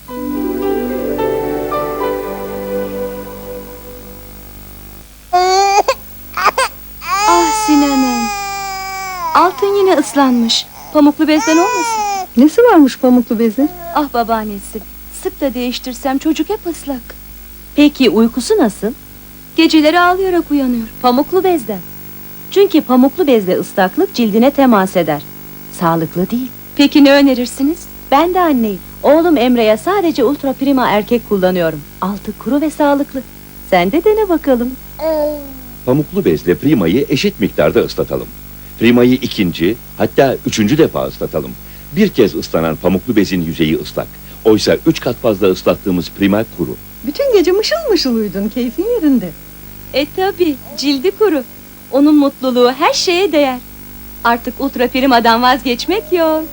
Ah Sinan'ım. Altın yine ıslanmış. Pamuklu bezden olmasın? Nesi varmış pamuklu bezin? Ah babaannesi. Sık da değiştirsem çocuk hep ıslak. Peki uykusu nasıl? Geceleri ağlayarak uyanıyor. Pamuklu bezden. Çünkü pamuklu bezde ıslaklık cildine temas eder. Sağlıklı değil. Peki ne önerirsiniz? Ben de anneyim. Oğlum Emre'ye sadece ultra prima erkek kullanıyorum. Altı kuru ve sağlıklı. Sen de dene bakalım. Pamuklu bezle primayı eşit miktarda ıslatalım. Primayı ikinci, hatta üçüncü defa ıslatalım. Bir kez ıslanan pamuklu bezin yüzeyi ıslak. Oysa 3 kat fazla ıslattığımız prima kuru. Bütün gece mışıl mışıl uyudun, keyfin yerinde. Tabi, cildi kuru. Onun mutluluğu her şeye değer. Artık ultra primadan vazgeçmek yok.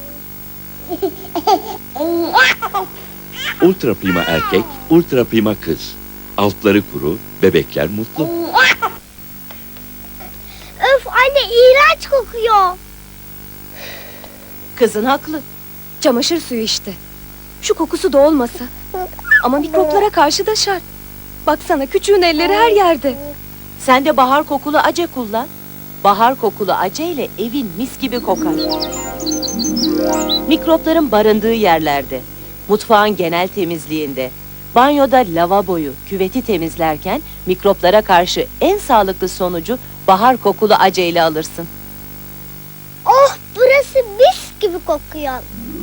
Ultra prima erkek, ultra prima kız. Altları kuru, bebekler mutlu. Öf anne, iğrenç kokuyor. Kızın haklı. Çamaşır suyu işte. Şu kokusu da olmasa. Ama mikroplara karşı da şart. Baksana, küçüğün elleri her yerde. Sen de bahar kokulu ace kullan. Bahar kokulu ace ile evin mis gibi kokar. Mikropların barındığı yerlerde, mutfağın genel temizliğinde, banyoda lavaboyu, küveti temizlerken mikroplara karşı en sağlıklı sonucu bahar kokulu ace ile alırsın. Oh, burası mis gibi kokuyor.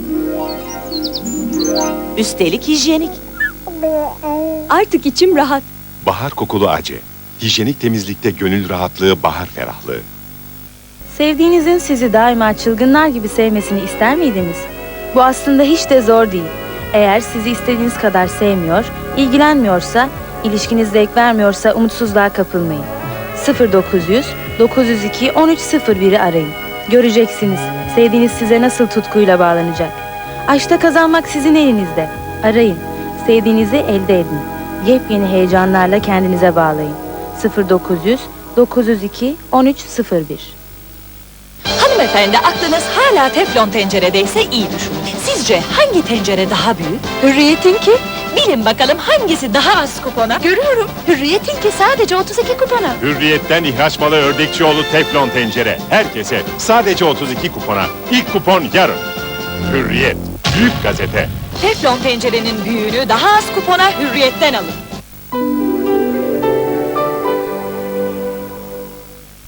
Üstelik hijyenik. Artık içim rahat. Bahar kokulu ace. Hijyenik temizlikte gönül rahatlığı, bahar ferahlığı. Sevdiğinizin sizi daima çılgınlar gibi sevmesini ister miydiniz? Bu aslında hiç de zor değil. Eğer sizi istediğiniz kadar sevmiyor, ilgilenmiyorsa, ilişkiniz zevk vermiyorsa umutsuzluğa kapılmayın. 0900 902 1301'i arayın. Göreceksiniz, sevdiğiniz size nasıl tutkuyla bağlanacak. Aşkta kazanmak sizin elinizde. Arayın, sevdiğinizi elde edin. Yepyeni heyecanlarla kendinize bağlayın. 0900 902 1301. Hanımefendi, aklınız hala teflon tenceredeyse iyi düşünün. Sizce hangi tencere daha büyük? Hürriyet'inki. Bilin bakalım hangisi daha az kupona? Görüyorum. Hürriyet'inki sadece 32 kupona. Hürriyet'ten ihraç malı Ördekçioğlu teflon tencere. Herkese sadece 32 kupona. İlk kupon yarın. Hürriyet. Büyük gazete. Teflon tencerenin büyüğünü daha az kupona Hürriyet'ten alın.